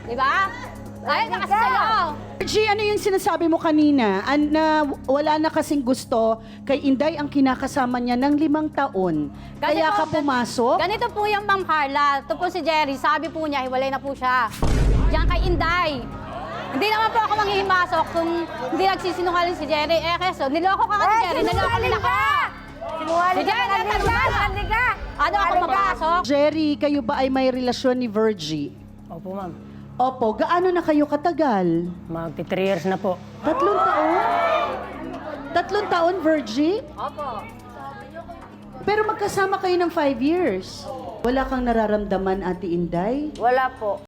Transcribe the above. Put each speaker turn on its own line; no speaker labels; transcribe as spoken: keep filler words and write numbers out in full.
Di ba? Ay, na kasi sa'yo.
G, ano yung sinasabi mo kanina? An, na wala na kasing gusto kay Inday ang kinakasama niya ng limang taon.
Kasi
Kaya
po,
ka pumasok?
Ganito po yung Ma'am Carla. Ito po si Jerry. Sabi po niya, hiwalay na po siya. Diyan kay Inday. Hindi naman po ako manghihimasok kung hindi nagsisinungaling si Jerry. Eh, keso, niloko ka nga ni Jerry. Niloko nila ka.
Sinungaling
Sige,
ka na
natalunan.
Sinungaling ka.
Ano ako mapasok?
Jerry, kayo ba ay may relasyon ni Virgie?
Opo, ma'am.
Opo, gaano na kayo katagal?
Magti three years na po.
Tatlong taon? Tatlong taon, Virgie?
Opo.
Pero magkasama kayo ng five years. Wala kang nararamdaman, Ate Inday?
Wala po.